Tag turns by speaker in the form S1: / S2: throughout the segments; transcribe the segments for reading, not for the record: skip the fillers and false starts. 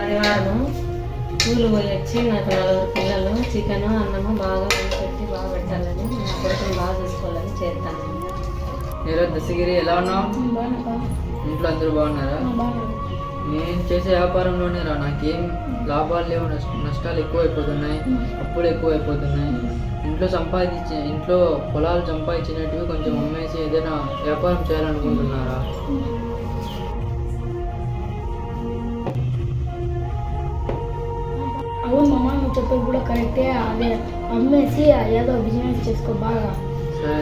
S1: ఆదివారం స్కూల్ పోయి వచ్చి నాకు 4 పిల్లలు చికెన్ అన్నము బాగా పెట్టి బాగా పెట్టాలని నా కొడుకుని బాగా చూసుకోవాలని చేస్తాను.
S2: ఈరోజు దశగిరి ఎలా ఉన్నావు? ఇంట్లో అందరూ బాగున్నారా? నేను చేసే వ్యాపారంలోనే నాకేం లాభాలు లేవు, నష్టాలు ఎక్కువైపోతున్నాయి, అప్పులు ఎక్కువైపోతున్నాయి. ఇంట్లో పొలాలు సంపాదించినట్టు కొంచెం అమ్మేసి ఏదైనా వ్యాపారం చేయాలనుకుంటున్నారా?
S3: అవును మామ, నువ్వు చెప్పేది కూడా కరెక్టే. అదే అమ్మేసి ఏదో బిజినెస్ చేసుకో బాగా.
S2: సరే.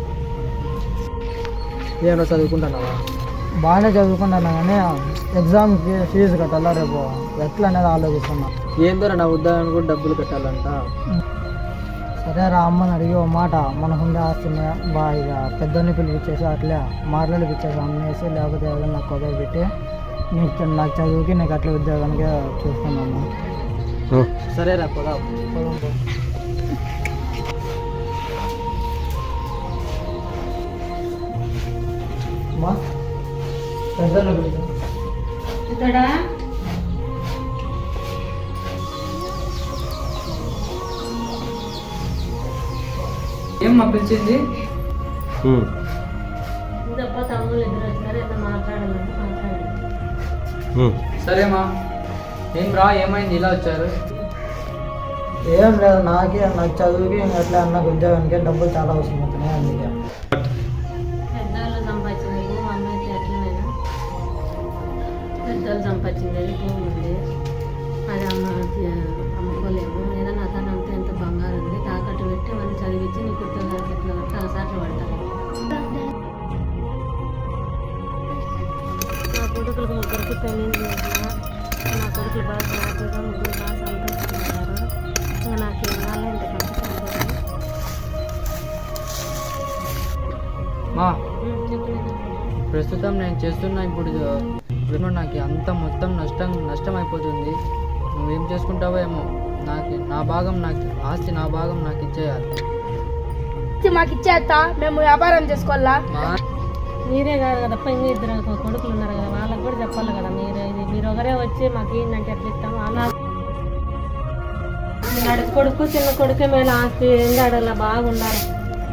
S4: ఏమో చదువుకుంటున్నావా? బాగానే చదువుకుంటున్నా కానీ ఎగ్జామ్ ఫీజు కట్టాలా రేపు, ఎట్లా అనేది ఆలోచిస్తున్నా. ఏందో నా ఉద్యోగానికి కూడా డబ్బులు కట్టాలంట. సరే రా, అమ్మని అడిగి ఓ మాట, మనకుండే ఆస్తిని బాగా పెద్దోని పిలిపించేసి అట్లే మార్లలు పిచ్చేసి అమ్మేసి లేకపోతే ఏదైనా నాకు కొద్దిగా పెట్టి నాకు చదువుకి నీకు అట్లా ఉద్యోగానికి చూసుకున్నాను. సరే రా, పోదాం. పెద్దోని పిలిచి
S1: ఇతడా
S2: ఏం మా పిలిచింది?
S1: ఇంతప్ప తమ్ముళ్ళు ఇద్దరు వచ్చినారు, ఏదో మాట్లాడాలంటే మాట్లాడాలి.
S2: సరేమా. ఏం రా, ఏమైంది ఇలా వచ్చారు?
S4: ఏం లేదు, నాకు చదువుకి అట్లా నాకు ఉద్యోగానికి డబ్బులు చాలా అవసరం అవుతున్నాయి. అందుకే
S1: పెద్దవాళ్ళు సంపాదించినది మా అమ్మ అయితే ఎట్లనైనా పెద్దవాళ్ళు సంపాదించినది భూమి ఉంది, అది అమ్ముకోలేము. ఏదైనా అతను అంతా ఎంత బంగారం ఉంది తాకట్టు పెట్టి మనం చదివించి నీకు ఉద్యోగానికి ఎట్లా పడితే అలసాట్లు పడతాను. నా కొడుకులకు 3 పెళ్ళిళ్ళు చేసిన, నా కొడుకులు బాగా హ్యాపీగా 3 బాగా సంతోషిస్తున్నారు. ఇంకా నాకు ఇవాళ ఇంత సంతోషం.
S2: మా
S1: చెప్పలేదు.
S2: ప్రస్తుతం నేను చేస్తున్నా ఇప్పుడు నాకు అంత మొత్తం నష్టం అయిపోతుంది. నువ్వేం చేసుకుంటావో ఏమో. ఆస్తి నా భాగం నాకు ఇచ్చేయాలి.
S3: మాకు ఇచ్చేస్తా, మేము వ్యాపారం చేసుకోవాలా.
S1: మీరే కాదు కదప్ప, ఇంకా 2 కొడుకులు ఉన్నారు కదా, వాళ్ళకి కూడా చెప్పాలి కదా. మీరు ఒకరే వచ్చి మాకు ఏంటంటే ఎట్లా ఇస్తాము అలా. నడు కొడుకు చిన్న కొడుకే మేలు ఆస్తి ఏంటి అడగల బాగున్నారు.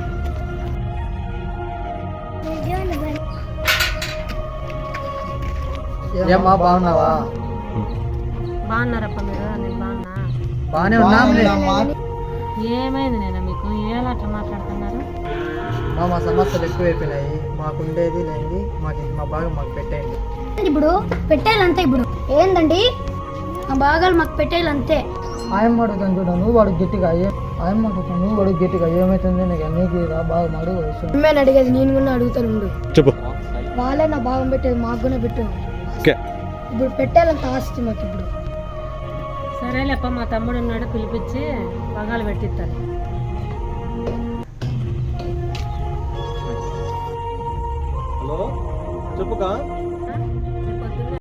S4: ఏమ్మా, బాగున్నావా?
S1: బాగున్నారప్ప మీరు? నేను బాగున్నా.
S4: బాగానే ఉన్నా.
S1: ఏమైంది నేను మీకు ఏలా అట్లా మాట్లాడుతున్నారు?
S4: మా సమస్యలు ఎక్కువైపోయినాయి. మాకు ఉండేది లేనిది మా భాగం మాకు పెట్టేయండి.
S3: ఇప్పుడు పెట్టేయాలంతే. ఇప్పుడు ఏందండి, ఆ భాగాలు మాకు పెట్టేయాలంతే.
S4: ఆయమ్మ అడుగుతాను చూడ, నువ్వు వాడు గట్టిగా ఆయమ్మ అడుగుతాను, నువ్వు వాడు గట్టిగా ఏమవుతుంది నీకు బాగా అడుగు. అమ్మేని అడిగేది నేను కూడా అడుగుతాను ఉండు. చెప్పు. వాళ్ళే నా భాగం పెట్టేది, మాకు కూడా పెట్టు. ఇప్పుడు పెట్టేయాలంత ఆస్తి మాకు. ఇప్పుడు
S1: సరేలేప్ప, మా తమ్ముడు ఉన్నాడు, పిలిపించి పగాలు పెట్టిస్తారు.
S5: హలో, చెప్పుకా.